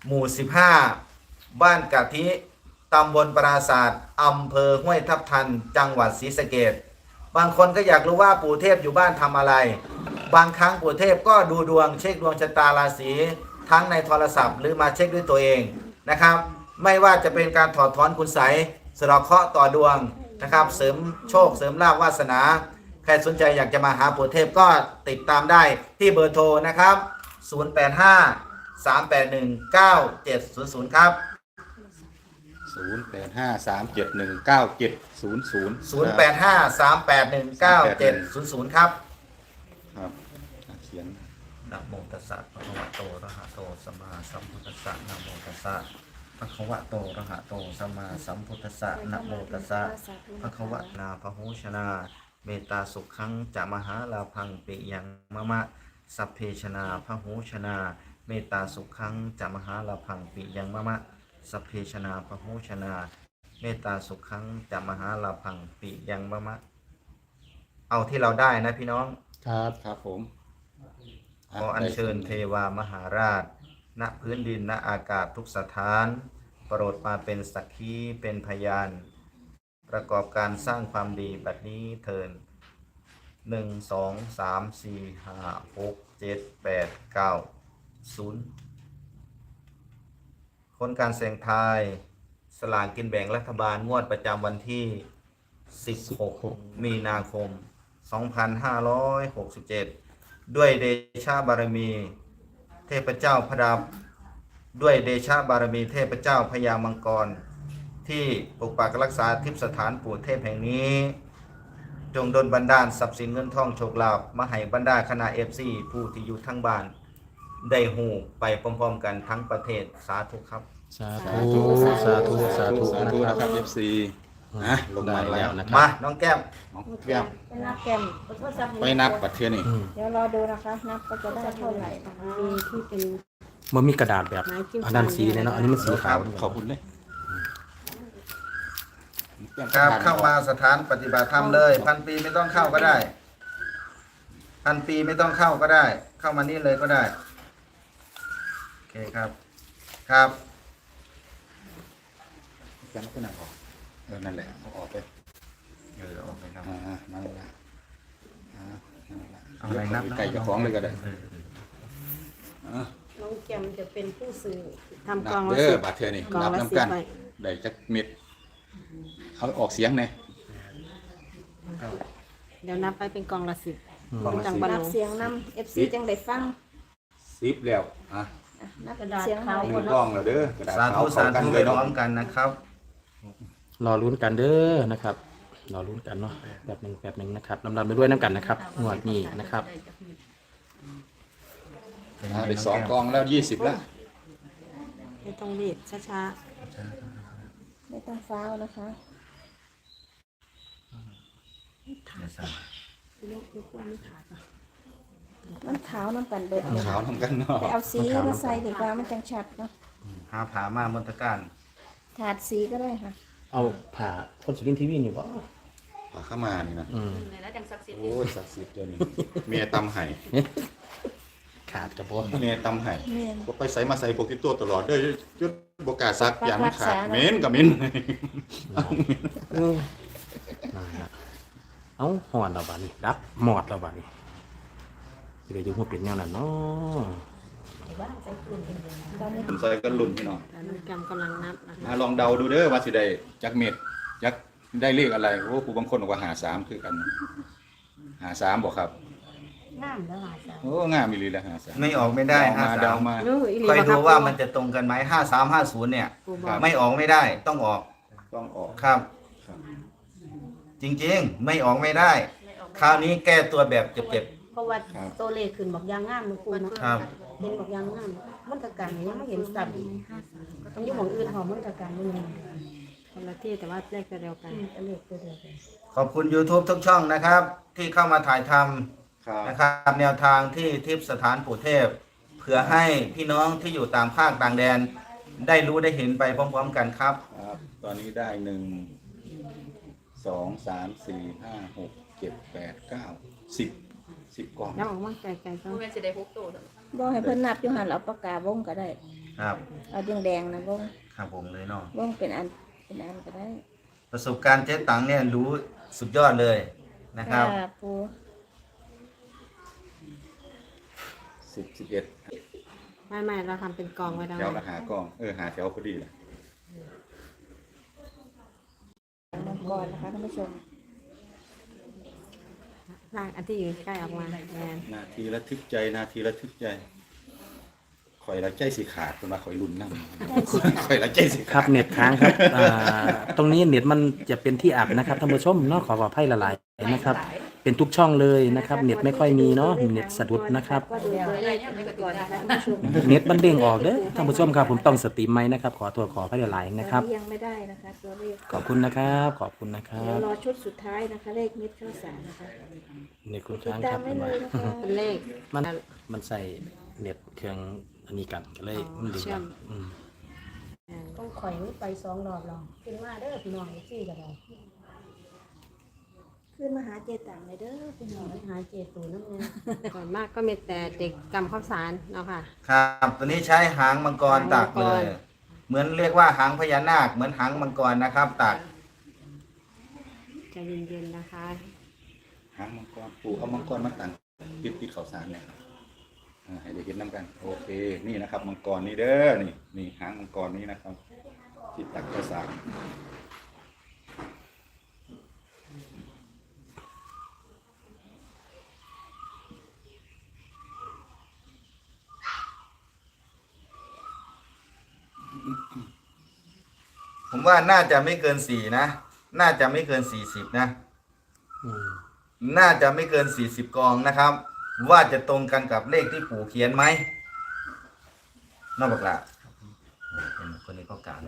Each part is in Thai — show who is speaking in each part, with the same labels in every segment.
Speaker 1: หมู่15บ้านกะทิตำบลปราศาสตร์อำเภอห้วยทับทันจังหวัดศรีสะเกษบางคนก็อยากรู้ว่าปู่เทพอยู่บ้านทำอะไรบางครั้งปู่เทพก็ดูดวงเช็คดวงชะตาราศีทั้งในโทรศัพท์หรือมาเช็คด้วยตัวเองนะครับไม่ว่าจะเป็นการถอดถอนคุณไสยสะเดาะเคราะห์ต่อดวงนะครับเสริมโชคเสริมลาภวาสนาใครสนใจอยากจะมาหาปู่เทพก็ติดตามได้ที่เบอร์โทรนะครับ085 381 9700ครับ
Speaker 2: 0853719700
Speaker 1: 0853819700ครับ
Speaker 2: ครับเขียน
Speaker 1: นะโมตัสสะภะคะวะโตอะระหะโตสัมมาสัมพุทธัสสะนะโมตัสสะภะคะวะโตอะระหะโตสัมมาสัมพุทธัสสะนะโมตัสสะภะคะวะนาพหูชนาเมตตาสุขังจะมหาลาภังปิยังมะมะสัพเพชนาพหูชนาเมตตาสุขังจะมหาลาภังปิยังมะมะสัพเพชนาพหูชนาเมตตาสุขังจะมหาลาภังปิยังมะมะเอาที่เราได้นะพี่น้อง
Speaker 2: ครับผม
Speaker 1: ขออัญเชิญเทวามหาราชณพื้นดินณอากาศทุกสถานโปรดมาเป็นสักขีเป็นพยานประกอบการสร้างความดีบัดนี้เทิน1 2 3 4 5 6 7 8 9 0ผลการเสี่ยงทายสลากกินแบ่งรัฐบาลงวดประจำวันที่16มีนาคม2567ด้วยเดชะบารมีเทพเจ้าพระดาบด้วยเดชะบารมีเทพเจ้าพญามังกรที่ปกปักรักษาทิพย์สถานปู่เทพแห่งนี้จงดลบันดาลทรัพย์สินเงินทองโชคลาภมาให้บรรดาคณะ FC ผู้ที่อยู่ทั้งบ้านได้หูไปพร้อมๆกันทั้งประเทศสาธุครับ
Speaker 3: สาธุสาธุสาธุ
Speaker 2: นะครับ FC นะลงมาแล้วนะ
Speaker 1: มาน้องแก้ม
Speaker 2: น้องแก้ม
Speaker 4: ไปนับแก้ม
Speaker 2: ไปนับปัดเทือนี่
Speaker 4: เดี๋ยวรอดูนะคะนับก็จะได้เท่าไหร่มีที่เป็น
Speaker 3: มันมีกระดาษแบบอันนั้นสีเนี่ยเนาะอันนี้มันสีขาว
Speaker 2: ขอบคุณเลย
Speaker 1: ครับเข้ามาสถานปฏิบัติธรรมเลย1,000 ปีไม่ต้องเข้าก็ได้1,000 ปีไม่ต้องเข้าก็ได้เข้ามานี่เลยก็ได้โอเคครับครับ
Speaker 2: แก้มก็นั่งออกนั่นแหละเอาออกไป
Speaker 1: ออกไปครับ
Speaker 2: นั่นแหละ
Speaker 1: เอาอะไรนับ
Speaker 2: ไก่กระท้องเลยก็ได้
Speaker 4: น้องแก้มจะเป็นผู้สื่อทำก
Speaker 2: นั
Speaker 4: อง
Speaker 2: บ
Speaker 4: ละ
Speaker 2: เด้อ
Speaker 4: 10
Speaker 2: บาดเทือนี่
Speaker 4: กอง
Speaker 2: นับ
Speaker 4: ละ
Speaker 2: น้ำกัน
Speaker 4: 10ใบ
Speaker 2: ได้จักเม็ดเอาออกเสียงเนี่ย
Speaker 4: เดี๋ยวนับไปเป็นกองละ10จัง
Speaker 2: บั
Speaker 4: บั
Speaker 2: น
Speaker 4: น
Speaker 5: นับเสียงนำ FC จังได้ฟัง
Speaker 2: 10แล้ว
Speaker 5: นับ
Speaker 4: กระดาษ
Speaker 5: เสียง
Speaker 4: ขาว
Speaker 2: ห
Speaker 4: หม
Speaker 2: นึ่
Speaker 4: ด
Speaker 2: ง
Speaker 4: แล้
Speaker 2: กล้
Speaker 4: ว
Speaker 2: องแล้วเด้อกระดาษ
Speaker 1: สา
Speaker 2: ขาว
Speaker 1: ธุ
Speaker 2: เข้า
Speaker 1: สา
Speaker 2: กัน
Speaker 1: ธุ
Speaker 2: เล
Speaker 1: ไป
Speaker 2: ย
Speaker 1: พร้
Speaker 2: เนาะ
Speaker 1: อมกันนะครับ
Speaker 3: รอลุ้นกันเด้อนะครับรอลุ้นกันเนาะแบบหนึ่งนะครับลำดับไปด้วยน้ำกันนะครับงวดนี้นะครับ
Speaker 2: ได้2กล้องแล้ว20แล้ว
Speaker 4: ไม่ต้องรีบช้า
Speaker 5: ไม่ต้องฟ้าวนะคะมันขาวน้ำกันเบิดเลย
Speaker 2: ขาวทำกันเนาะ
Speaker 5: แต่เอาสีมาใส่ดีกว่ามันจังชัดเนาะ
Speaker 1: หาผามามนตการ
Speaker 5: ถาดสีก็ได้ค่ะ
Speaker 3: เอาผ่าคนสุรินทร์ทีวีนี่บ่
Speaker 2: ผ่าเข้ามานี่นะ
Speaker 4: แล้วจังศักดิ์สิทธิ์
Speaker 2: โอ้ยศักดิ์สิทธิ์เดี๋ยวนี้เมียตำไห่
Speaker 3: ขาดกระโปง
Speaker 2: เมียตำไห่
Speaker 5: แม่น
Speaker 2: ก็ไปใส่มาใส่โปกิโต้ตลอดเด้อจุดบกล้าซักอย่างมันขาดเหม็นกับเหม็น
Speaker 3: เอาหอดเราบ้านี้รับหมอดเราบ้านี้จะได้ยุ่งหัวเป็นแนวนั้นเนาะ
Speaker 2: ผมใส่กันลุ่นพี่น้อง
Speaker 4: ๆน้องแก้มกำลังนับนะคะ
Speaker 2: ลองเดาดูเด้อว่าสิได้จักเม็ดจักได้เลขอะไรโอ้ผู้บางคนบอกว่า53คือกัน53บอกครับ
Speaker 4: น้ำแล้วหาจ้ะ
Speaker 2: โอ้งามอีหลีแล้ว53
Speaker 1: ไม่ออกไม่ได้
Speaker 2: เดามา
Speaker 1: คอยดูว่ามันจะตรงกันไหม5350เนี่ยไม่ออกไม่ได้ต้องออก
Speaker 2: ต้องออก
Speaker 1: ครับ จริงๆไม่ออกไม่ได้ คราวนี้แก้ตัวแบบเจ็บ
Speaker 4: เพราะว่าตัวเลขขึ้นบอกยางงามมันคูณ
Speaker 1: ๆครับ
Speaker 4: เห็นบอกยางงามมันตะการยังไม่เห็นสัตว์ต้องอยู่ของอื่นหอมมันตะการนี่คนละที่แต่ว่าเลขตัวเดียวกันเลขตัวเดียวกัน
Speaker 1: ขอบคุณ YouTube ทุกช่องนะครับ ที่เข้ามาถ่ายท
Speaker 2: ครับ
Speaker 1: ำนะครับแนวทางที่ทิพย์สถานปู่เทพเพื่อให้พี่น้องที่อยู่ตามภาคต่างแดน ได้รู้ได้เห็นไปพร้อมๆกันครับ
Speaker 2: ครับ ตอนนี้ได้1 2 3 4 5 6 7 8 9 10กล่อง
Speaker 4: น้ำออกมาไกลๆก็
Speaker 5: บอกให้เพิ่นนับอยู่หันเอาปากกาวงก็ได้
Speaker 1: ครับ
Speaker 5: เอาแดงๆนะวง
Speaker 1: ครับผมเลยเนาะ
Speaker 5: วงเป็นอันก็ได้
Speaker 1: ประสบการณ์เจ๊ตังเนี่ยรู้สุดยอดเลยนะครับ
Speaker 5: ปู
Speaker 2: 11
Speaker 4: ไม่เราทำเป็นกองไว้แล้ว
Speaker 2: แถวละหากล้องหาแถวพอดีแหละ
Speaker 5: มังกรนะคะท่านผู้ชม
Speaker 4: ร่างอันที่อยู่ใกล้ออกมาแมน
Speaker 2: นาทีระทึกใจนาทีระทึกใจข่อยละใจสิขาดคนมาข่อยลุ้นนำข่อยละใจสิ
Speaker 3: ค
Speaker 2: ขา
Speaker 3: รั
Speaker 2: ด
Speaker 3: บเน็ตค้างครับตรงนี้เน็ตมันจะเป็นที่อับนะครับท่านผู้ชมเนาะขออภัยละลายนะครับ เป็นทุกช่องเลยนะครับเน็ตไม่ค่อยมีเนาะเน็ตสะดุดนะครับ
Speaker 5: ก็ดูตัวเลขไปก่อนนะคะท่านผู้ชม
Speaker 3: เน็ตมันเด้งออกเด้อท่านผู้ชมครับผมต้องสตรีมไหมนะครับขอตัวขออภัยละลายนะครับ
Speaker 5: ยังไม่ได้นะคะตัวเลข
Speaker 3: ขอบคุณนะครับขอบคุณนะครั
Speaker 5: เดี๋ยว
Speaker 3: บ
Speaker 5: รอชุดสุดท้ายนะคะเลขเม็ดข้าวสารนะคะ
Speaker 3: เน็ตคุณ
Speaker 5: ติด
Speaker 3: ค้าง
Speaker 5: ตา
Speaker 3: ค
Speaker 5: ม
Speaker 3: รับ
Speaker 5: ไว้เลยนะคะ
Speaker 4: เป็นเลข
Speaker 3: มันใส่เน็ตเครื่องอันนี้กันก็เลยมันดึง
Speaker 4: เชื่อม
Speaker 3: อืม
Speaker 4: ต้องข่อยนี่ไป2 รอบแล้วขึ้นมาเด้อพี่น้องซี่กันเลย
Speaker 5: ขึ้นมาหาเจตังเลยเด้อพี่น้อง
Speaker 4: หาเจตูน้ำเงินก่อนมากก็มีแต่เด็กกำข้าวสารเนาะค่ะ
Speaker 1: ครับตัวนี้ใช้หางมังกรตักเลย เหมือนเรียกว่าหางพญานาคเหมือนหางมังกรนะครับตัก
Speaker 4: ใจเย็นๆนะคะ
Speaker 2: หางมังกรปู่เอามังกรมาตั้งปิดข้าวสารเนี่ยให้ได้เห็นน้ำกันโอเคนี่นะครับมังกรนี่เด้อนี่หางมังกรนี้นะครับที่ตักข้าวสาร
Speaker 1: ผมว่าน่าจะไม่เกิน4นะน่าจะไม่เกิน40นะ
Speaker 3: อืม
Speaker 1: น่าจะไม่เกิน40กองนะครับ ว่าจะตรงกันกับเลขที่ปู่เขียนไหมนอกจากเป็นคนนี้ก็กล่าวนะ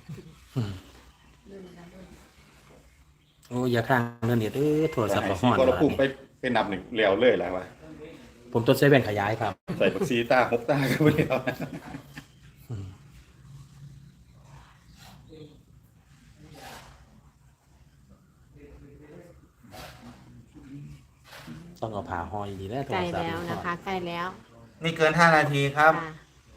Speaker 3: โอ้ยอย่าค้างเรื่องเน็ตโทรศัพท์
Speaker 2: ให้
Speaker 3: บ่
Speaker 2: ซี
Speaker 3: ฮ้อน
Speaker 2: ก็เราพุ่งไปนับหนึ่งเลี้ยวเลยแล้ววะ
Speaker 3: ผมต้นใช้แว่นขยายครับ
Speaker 2: ใส่บักซีตา6ตาก็ไม่เลี้ยว
Speaker 3: ต้องเอาผ่าห้อยดีแล้วโท
Speaker 4: ใก
Speaker 3: ร
Speaker 4: ล้
Speaker 3: ศัพท์
Speaker 4: แล้วนะคะใกล้แล้ว
Speaker 1: นี่เกิน5นาทีครับ
Speaker 4: ค่ะ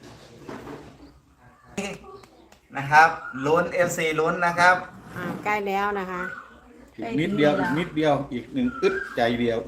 Speaker 1: นะครับลุ้น FC ลุ้นนะครับ
Speaker 4: ใกล้แล้วนะคะ
Speaker 2: อีกนิดเดียวอีกหนึ่งอึดใจเดียว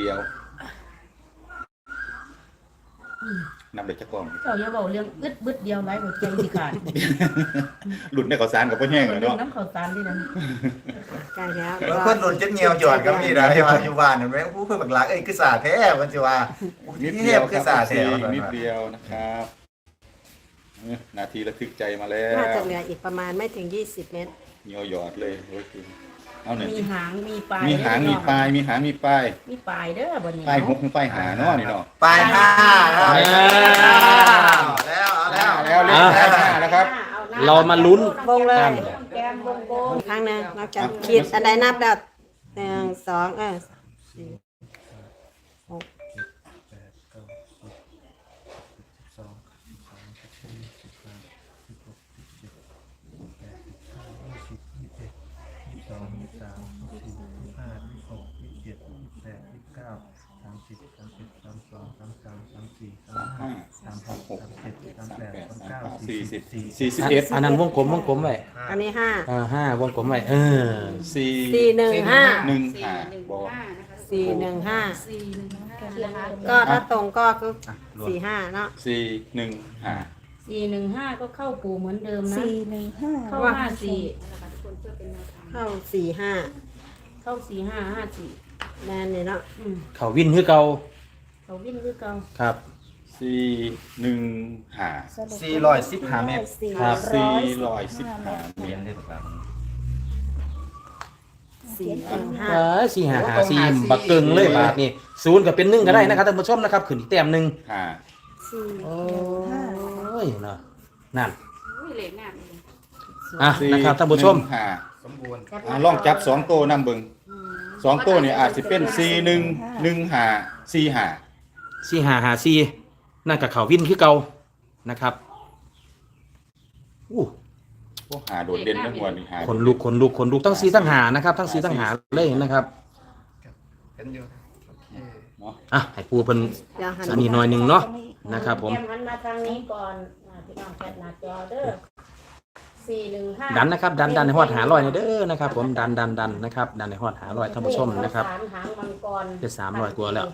Speaker 2: นับเลยจะกล้อง
Speaker 6: เจ้าอย่าบอกเรื่องอึดบึดเดียวไรหัวใจสิขาด
Speaker 2: หลุดในข้าวสารกับพ่อแห้งเลย
Speaker 6: เรื่อง
Speaker 2: เนาะ
Speaker 6: น้ำข้าวสารที่นั่น
Speaker 4: ใกล้แล้ว
Speaker 1: บางคนหลุดเจ็ดเงียวจอดก็มีนะที่ว่าอยู่บ้านเห็นไหมผู้เพื่อนบักหลักคือสาแท้มันจะว่า
Speaker 2: นิด
Speaker 1: เท
Speaker 2: เดีย
Speaker 1: พ
Speaker 2: ว
Speaker 1: คือสาแท้
Speaker 2: นิดเดียวนะครับนาทีระทึกใจมาแล้
Speaker 4: น่าว จะเหลืออีกประมาณไม่ถึง20 เมตร
Speaker 2: เหนียวหยอดเลยโอ้ยคุณเอาหน่อย
Speaker 6: มีหางมีปลาย
Speaker 2: มีหางมีปลายมีปลาย
Speaker 6: มีปลายเด้อบ่นี้
Speaker 2: ปลายหกปลายหาเนาะนี่เนาะ
Speaker 1: ปลายห้าครับ
Speaker 3: เอา
Speaker 1: แล้วเอาแล้ว
Speaker 2: แล้วเลขปลายหานะครับ
Speaker 3: เรามาลุ้น
Speaker 4: วงเลย
Speaker 3: กัน
Speaker 6: แกมวงโกง
Speaker 4: ครั้งหนึ่งเราจะขีดอันใดนับแล้ว1 2 4 6
Speaker 2: 41
Speaker 3: อันนั้นวงกลมไว้
Speaker 4: อันนี้5
Speaker 3: 5วงกลมไว้
Speaker 2: 4
Speaker 4: 4 1 5
Speaker 2: 1 5บอก
Speaker 4: 4 1 5ก็ถ้าตรงก็คือ4 5เนาะ
Speaker 2: 4 1 5
Speaker 6: 415ก็เข้าปู่เหมือนเดิมนะ
Speaker 5: 415
Speaker 6: เข้า54
Speaker 4: เข้า4 5
Speaker 6: เข้า4554
Speaker 4: แม่นนี่เนาะ
Speaker 3: เขาวินคือเก่า
Speaker 6: เขาวิ่งคือเก่า
Speaker 3: ครับ
Speaker 2: 4 1 5
Speaker 1: 415 เมตร
Speaker 3: ครับ
Speaker 2: 415
Speaker 1: เรียนได้ถูกแล้ว
Speaker 4: 4 1 5
Speaker 3: 4 บักเกิงเลยบาทนี่0ก็เป็น1ก็ได้นะครับท่านผู้ชมนะครับขึ้นอีกแต้มหนึง
Speaker 2: 5
Speaker 3: โอ้ยเนาะนั่นอ่ะนะครับท่านผู้ชม
Speaker 1: สมบูรณ์
Speaker 2: ลองจับ2โตนำเบิ่ง2โตนี่อาจสิเป็น4 1 1 5 4 5
Speaker 3: 4554นั่นกับเขาวินคือเก่านะครับอู้
Speaker 2: พวกหาโดดเด่นทั้งหัวนี่หา
Speaker 3: คนลุกทั้ง4ทั้ง5นะครับทั้ง4ทั้ง5เลยนะครับ
Speaker 1: เป็นอยู่
Speaker 2: เนาะ
Speaker 3: อ่ะให้ปูเพิ่น
Speaker 4: เดี๋ยวหัน
Speaker 3: อันนี้หน่อยหนึงเนาะนะครับผม
Speaker 6: แกมหันมาทางนี้ก่อนพี่น้องแคปหน้าจอเด้อ415
Speaker 3: ดันนะครับดันในหอดหาลอยเด้อนะครับผมดันนะครับดันในหอดหาลอยท่านผู้ชมนะครับ
Speaker 6: หางมังกร
Speaker 3: เป็น300กว่าแล้ว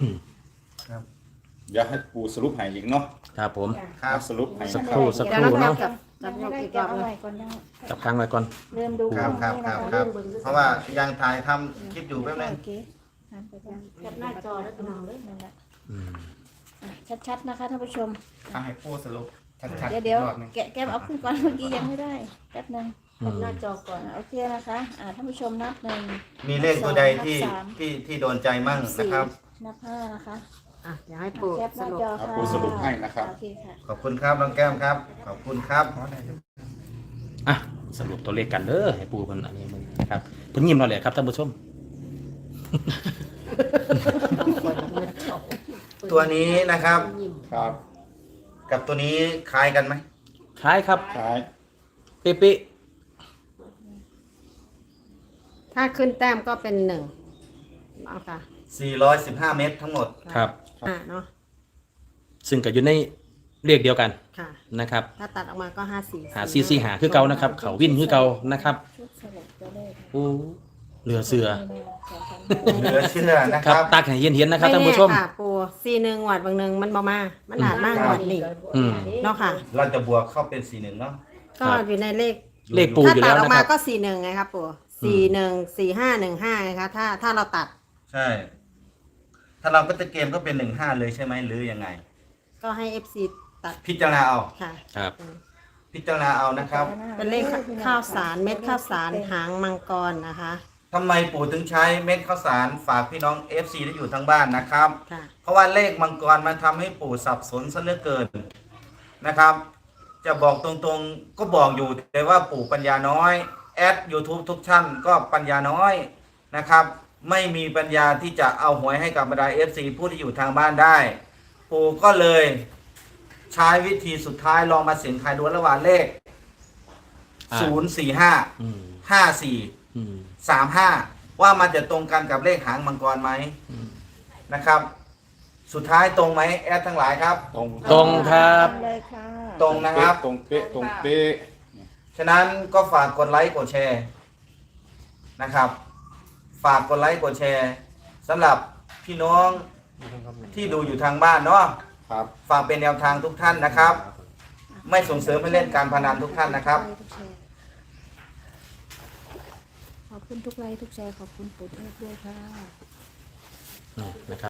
Speaker 2: เดี๋ยวให้ปูสรุปให้อีกเนาะ
Speaker 3: ครับผม
Speaker 1: ครับ
Speaker 2: สรุปให้
Speaker 3: สักครู่
Speaker 4: เดี๋ยวเรา
Speaker 3: เนาะ
Speaker 4: จับ
Speaker 5: ยัง
Speaker 4: ยก
Speaker 5: ไม่ได้
Speaker 4: อีกร
Speaker 5: แกะ
Speaker 4: อบ
Speaker 5: เอา
Speaker 4: นึง
Speaker 5: ไว้ก่อนยัง
Speaker 3: จับค้างไว้ก่อน
Speaker 5: เริ่มดู
Speaker 1: ครับครับครับครับ เพราะว่ายังถ่ายทำคลิปอยู่แป๊บนึง
Speaker 5: โอเคหันไปกัน
Speaker 6: แคปหน้าจอแล้วพี่น้องเด้อ
Speaker 5: นั่นแหละ
Speaker 3: อืม
Speaker 5: อ่ะชัดๆนะคะท่านผู้ชม
Speaker 7: เอาให้ปูสรุปชัดๆ
Speaker 5: เดี๋ยว
Speaker 7: อีกรอบหนึ่ง
Speaker 5: แกะเอาขึ้นก่อนเมื่อกี้ยังไม่ได้แป๊บนึง
Speaker 6: แคปหน้าจอก่อน
Speaker 5: โอเคนะคะท่านผู้ชมนับหนึ่ง
Speaker 1: มีเลขตัวใดที่
Speaker 5: นับสาม
Speaker 1: ที่โดนใจมั่งนะครับ
Speaker 5: นับห้านะคะ
Speaker 4: อ่ะเดี๋ยวให้ปู่
Speaker 5: แคปห
Speaker 4: ส
Speaker 5: น้า
Speaker 4: รุป
Speaker 5: จอ
Speaker 2: เอา
Speaker 5: ค่ะ
Speaker 2: ปูสรุปให้นะครับ
Speaker 5: โอเคค่ะ
Speaker 1: ขอบคุณครับน้องแก้มครับ ขอบคุณครับ
Speaker 3: อ่ะสรุปตัวเลขกันเด้อให้ปูมันอันนี้มึงนะครับเพิ่นยิ้มเราเลยครับท่านผู้ชม
Speaker 1: ตัวนี้นะครับ
Speaker 2: ครับ
Speaker 1: กับตัวนี้คล้ายกันไหม
Speaker 3: คล้ายครับ
Speaker 2: คล้าย
Speaker 3: เป๊ะ
Speaker 4: ถ้าขึ้นแต้มก็เป็น1เอาค่ะ
Speaker 1: 415 เมตรทั้งหมด
Speaker 3: ๆครับ
Speaker 4: เนาะ
Speaker 3: ซึ่งก็อยู่ในเลขเดียวกัน
Speaker 4: ค่ะ
Speaker 3: นะครับ
Speaker 4: ถ้าตัดออกมาก็54
Speaker 3: หาซีหาคือเก่านะครับ เขาวินคือเก่านะครับ
Speaker 5: ชุดสรุปตัวเลข
Speaker 3: โอ้เหลือเสือ
Speaker 1: เหลือเชื่อนะ
Speaker 3: ค
Speaker 1: ค
Speaker 3: รั
Speaker 1: รั
Speaker 3: บบ ตักให้เย็นๆนะครับท่านผู้ชม
Speaker 4: ไแค่ะปู่41หวัดบางหนึงมันบ่มามันอาจมากหวัดนี่
Speaker 3: อืม
Speaker 4: เนาะค่ะ
Speaker 1: เราจะบวกเข้าเป็น 41 เนาะ
Speaker 4: ก็อยู่ในเลข
Speaker 3: เลขปู
Speaker 4: ถ้า
Speaker 3: อยู่
Speaker 4: ตั
Speaker 3: แล้
Speaker 4: ด
Speaker 3: ว
Speaker 4: ออก
Speaker 3: นะค
Speaker 4: มา
Speaker 3: รับ
Speaker 4: ก็41ไงครับปู่414515ไงคะถ้าเราตัด
Speaker 1: ใช่ ถ้าเราก็จะเกมก็เป็น 15 เลยใช่ไหมหรือยังไง
Speaker 4: ก็ให้ FC ตัด
Speaker 1: พิจารณาเอา
Speaker 4: ค่ะ
Speaker 3: ครับ
Speaker 1: พิจารณาเอานะครับ
Speaker 4: เป็นเลขข้าวสารเม็ดข้าวสารหางมังกรนะคะ
Speaker 1: ทำไมปู่ถึงใช้เม็ดข้าวสารฝากพี่น้อง FC ที่อยู่ทั้งบ้านนะครับ
Speaker 4: ค่ะ
Speaker 1: เพราะว่าเลขมังกรมันทำให้ปู่สับสนซะเหลือเกินนะครับ จะบอกตรงๆก็บอกอยู่แต่ว่าปู่ปัญญาน้อยแอด YouTube ทุกท่านก็ปัญญาน้อยนะครับ ไม่มีปัญญาที่จะเอาหวยให้กับบรรดา FC ผู้ที่อยู่ทางบ้านได้ ปู่ก็เลยใช้วิธีสุดท้ายลองมาเสี่ยงทายดูระหว่างเลข
Speaker 3: อ่า
Speaker 1: 045
Speaker 3: อืม
Speaker 1: 54
Speaker 3: อืม
Speaker 1: 35 ว่ามันจะตรงกันกับเลขหางมังกรไหมนะครับ สุดท้ายตรงไหมแอดทั้งหลายครับ
Speaker 2: ตรง
Speaker 3: ตรงครับ
Speaker 5: เลยค่ะ
Speaker 1: ตรงนะครับ
Speaker 2: ตรงเป๊ะตรงเป๊ะ
Speaker 1: ฉะนั้นก็ฝากกดไลค์กดแชร์นะครับ ฝากกดไลค์กดแชร์สำหรับพี่น้องที่ดูอยู่ทางบ้านเนาะ
Speaker 2: ครับ
Speaker 1: ฝากเป็นแนวทางทุกท่านนะครับ ไม่ส่งเสริมให้เล่นการพนันทุกท่านนะครับ
Speaker 5: ขอบคุณทุกไลค์ทุกแชร์ขอบคุณปู่เทพด้วยค่ะ
Speaker 3: นะครับ